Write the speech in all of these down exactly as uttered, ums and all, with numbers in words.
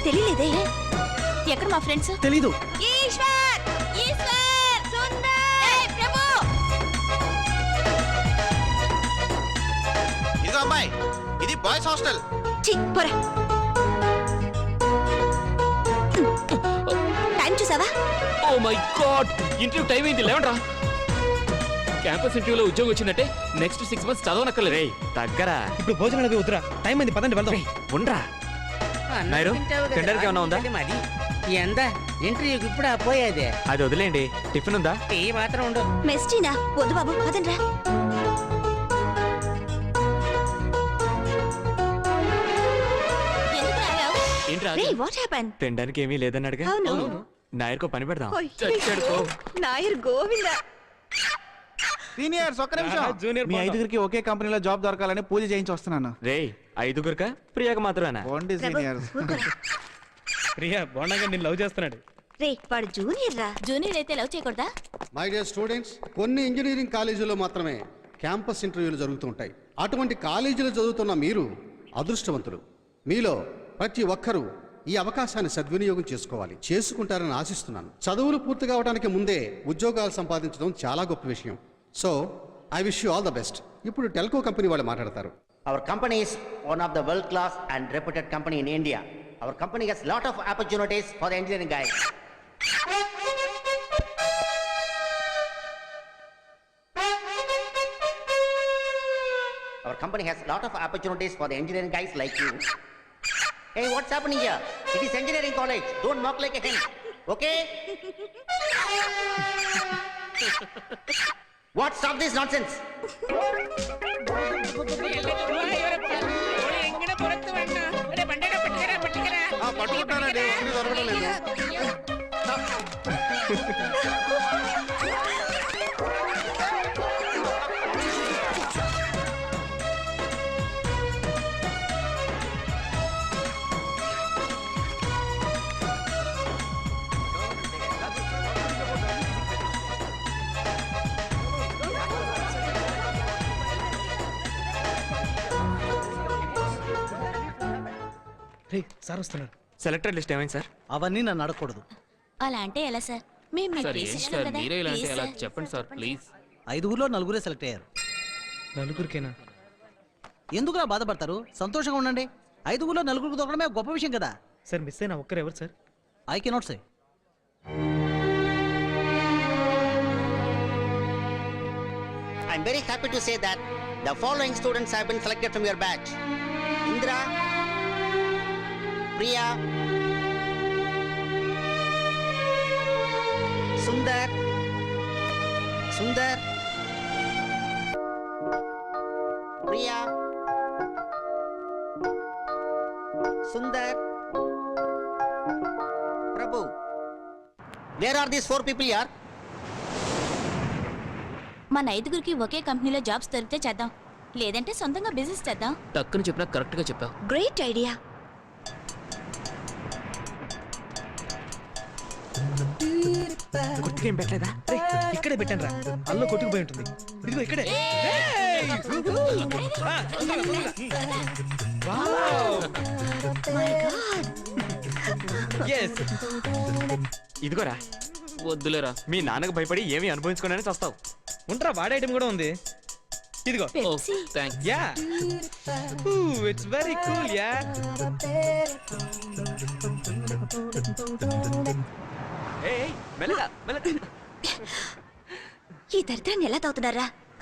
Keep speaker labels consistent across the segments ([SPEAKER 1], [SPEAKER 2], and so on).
[SPEAKER 1] తెలియలేదే. ఎక్కడ మా ఫ్రెండ్స్?
[SPEAKER 2] తెలీదు.
[SPEAKER 1] ఈశ్వర్, ఈశ్వర్, సుందర్, ఏయ్ ప్రభు.
[SPEAKER 3] ఇదిగో అమ్మాయి, ఇది బాయ్స్ హాస్టల్.
[SPEAKER 1] ఛీ, పోరా. టైం చూసావా?
[SPEAKER 4] Oh my God, interview time అయింది, లేవండ్రా. క్యాంపస్ ఇంటర్వ్యూలో ఉద్యోగం వచ్చిందంటే నెక్స్ట్ సిక్స్ మంత్స్ చదవనక్కర్లేదు.
[SPEAKER 2] దగ్గర ఇప్పుడు భోజనాలకి వద్దురా, టైం అయింది, పదండి వెళ్దాం.
[SPEAKER 4] ఉండరా నాయుడు, టెండర్కి ఏమన్నా ఉందా?
[SPEAKER 5] ఎంత ఇంటర్వ్యూకి ఇప్పుడు పోయేది,
[SPEAKER 4] అది వదిలేండి. టిఫిన్ ఉందా?
[SPEAKER 5] టీ మాత్రం ఉండు.
[SPEAKER 1] మెస్టీనా? వద్దు బాబు, పదండి రా.
[SPEAKER 4] ఏంట్రా?
[SPEAKER 1] What happen?
[SPEAKER 4] తినడానికి ఏమీ లేదన్నాడుగా.
[SPEAKER 1] అవును.
[SPEAKER 4] నాయర్కో పని పెడదాం.
[SPEAKER 1] నాయర్ గోవింద.
[SPEAKER 3] సీనియర్స్, ఒక్క నిమిషం.
[SPEAKER 2] జూనియర్
[SPEAKER 3] మీ ఐదుగురికి ఒకే కంపెనీలో జాబ్ దొరకాలని పూజ చేయించి వస్తున్నాను.
[SPEAKER 4] రే, ఐదుగురుకా? ప్రియాక మాత్రమేనా?
[SPEAKER 3] Only seniors.
[SPEAKER 2] ప్రియా బోండంగా నేను లవ్ చేస్తున్నాడు.
[SPEAKER 1] రే, వాడు జూనియర్ రా. జూనియర్ అయితే లవ్ చేయకూడదా?
[SPEAKER 6] మై డియర్ స్టూడెంట్స్, కొన్ని ఇంజనీరింగ్ కాలేజీల్లో మాత్రమే క్యాంపస్ ఇంటర్వ్యూలు జరుగుతూ ఉంటాయి. అటువంటి కాలేజీలు చదువుతున్న మీరు అదృష్టవంతులు. మీలో ప్రతి ఒక్కరూ ఈ అవకాశాన్ని సద్వినియోగం చేసుకోవాలి. చేసుకుంటారని ఆశిస్తున్నాను. చదువులు పూర్తి కావడానికి ముందే ఉద్యోగాలు సంపాదించడం చాలా గొప్ప విషయం. So I wish you all the best. ఇప్పుడు టెల్కో కంపెనీ వాళ్ళు మాట్లాడతారు.
[SPEAKER 5] Our company is one of the world class and reputed company in India. Our company has lot of opportunities for the engineering guys. Our company has lot of opportunities for the engineering guys like you. Hey, what's happening here? It is engineering college. Don't mock like a hen. Okay? What? Stop this nonsense.
[SPEAKER 6] పట్టుకుంటానండి, దొరకడం లేదు.
[SPEAKER 2] రే, sir వస్తున్నారు.
[SPEAKER 4] Selector list ఏమైంది sir?
[SPEAKER 2] అవన్నీ నన్ను అడగకూడదు.
[SPEAKER 1] అలా అంటే ఎలా సార్? మేము మీ ప్లేసెస్లో కదా. Please sir.
[SPEAKER 4] చెప్పండి సార్, ప్లీజ్.
[SPEAKER 7] ఐదుగురులో నలుగురే సెలెక్ట్ అయ్యారు.
[SPEAKER 2] నలుగురికేనా?
[SPEAKER 7] ఎందుకులా బాధపడతారు? సంతోషంగా ఉండండి. ఐదుగురులో నలుగురికి దొరకడమే గొప్ప విషయం కదా.
[SPEAKER 2] సార్ మిస్ అయినా ఒక్కరు ఎవరు sir?
[SPEAKER 7] I cannot say.
[SPEAKER 5] I'm very happy to say that the following students have been selected from your batch. Indra, Priya, Sundar, Sundar, Priya, Sundar, Prabhu. Where are these four people here?
[SPEAKER 1] మన ఐదుగురికి ఒకే కంపెనీలో jobs దొరికితే చేద్దాం, లేదంటే సొంతంగా business చేద్దాం.
[SPEAKER 4] టక్కుని చెప్పినా correct గా చెప్పావు.
[SPEAKER 1] Great idea.
[SPEAKER 4] గుర్తుకేం పెట్టలేదా?
[SPEAKER 2] ఇక్కడే పెట్టాను రా, అల్లో కొట్టుకుపోయి ఉంటుంది. ఇదిగో ఇక్కడే.
[SPEAKER 4] ఇదిగోరా. వద్దులేరా, మీ నాన్నకు భయపడి ఏమి అనుభవించుకోనని చస్తావు.
[SPEAKER 2] ఉంటారా, వాడే ఐటమ్ కూడా ఉంది. ఇదిగో. Ya, it's very cool. Ya,
[SPEAKER 4] ఏయ్ మెల్లగా మెల్లగా.
[SPEAKER 1] ఈ దరిద్రాన్ని ఎలా తాగుతున్నారా?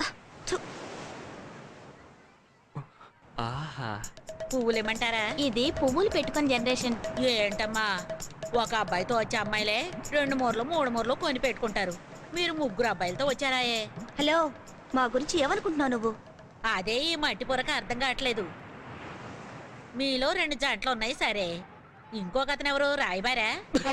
[SPEAKER 4] ఆహా,
[SPEAKER 8] పువ్వులేమంటారా?
[SPEAKER 1] ఇది పువ్వులు పెట్టుకుని జనరేషన్.
[SPEAKER 8] ఏంటమ్మా, ఒక అబ్బాయితో వచ్చే అమ్మాయిలే రెండు మూరలు మూడు మూరలు కొని పెట్టుకుంటారు. మీరు ముగ్గురు అబ్బాయిలతో వచ్చారాయే.
[SPEAKER 1] హలో, మా గురించి ఏమనుకుంటున్నావు నువ్వు?
[SPEAKER 8] అదే ఈ మట్టి పొరక అర్థం కావట్లేదు. మీలో రెండు జంటలు ఉన్నాయి సరే, ఇంకొక అతను ఎవరు? రాయబారా?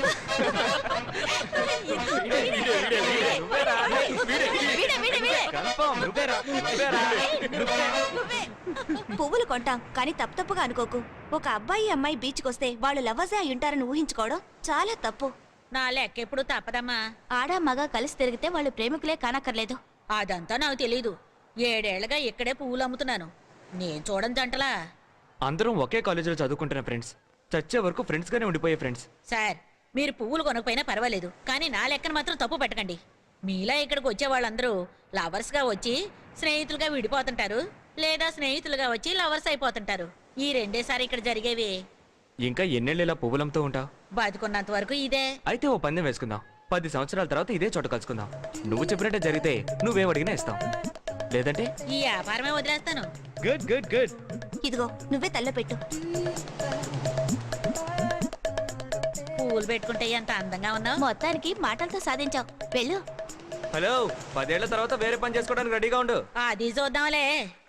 [SPEAKER 1] పువ్వులు కొంటాం కానీ తప్పు తప్పుగా అనుకోకు. ఒక అబ్బాయి అమ్మాయి బీచ్కి వస్తే వాళ్ళు లవ్వజే అయి ఉంటారని ఊహించుకోవడం చాలా తప్పు.
[SPEAKER 8] నా లెక్క ఎప్పుడు తప్పదమ్మా.
[SPEAKER 1] ఆడా మగ కలిసి తిరిగితే వాళ్ళు ప్రేమికులే కానక్కర్లేదు.
[SPEAKER 8] అదంతా నాకు తెలీదు. ఏడేళ్లుగా ఇక్కడే పువ్వులు అమ్ముతున్నాను. నేను చూడని జంటలా.
[SPEAKER 4] అందరం ఒకే కాలేజీలో చదువుకుంటున్న ఫ్రెండ్స్. చచ్చే వరకు ఫ్రెండ్స్ గానే ఉండిపోయే ఫ్రెండ్స్.
[SPEAKER 8] సార్ మీరు పువ్వులు కొనకపోయినా పర్వాలేదు, కానీ నా లెక్కన మాత్రం తప్పు పెట్టకండి. మీలా ఇక్కడికి వచ్చే వాళ్ళందరూ లవర్స్ గా వచ్చి స్నేహితులుగా విడిపోతుంటారు, లేదా స్నేహితులుగా వచ్చి లవర్స్ అయిపోతుంటారు. ఈ రెండేసారి ఇక్కడ జరిగేవి.
[SPEAKER 4] ఇంకా ఎన్నెళ్ళు ఇలా పువ్వులంతో ఉంటావు?
[SPEAKER 8] బతుకున్నంత వరకు ఇదే.
[SPEAKER 4] అయితే ఓ పందెం వేసుకుందాం. పది సంవత్సరాల తర్వాత ఇదే చోట కలుసుకుందాం. నువ్వు చెప్పినట్టే జరిగితే నువ్వేం అడిగినా ఇస్తాం, లేదంటే
[SPEAKER 8] ఈ వ్యాపారమే వదిలేస్తాను.
[SPEAKER 2] Good good good.
[SPEAKER 1] ఇదిగో నువ్వే తల్ల పెట్టు.
[SPEAKER 8] పువ్వులు పెట్టుకుంటే ఎంత అందంగా ఉన్నావు.
[SPEAKER 1] మొత్తానికి మాటలతో సాధించావు. వెళ్ళు.
[SPEAKER 4] హలో, పదేళ్ల తర్వాత వేరే పని చేసుకోవడానికి రెడీగా ఉండు.
[SPEAKER 8] అది చూద్దాంలే.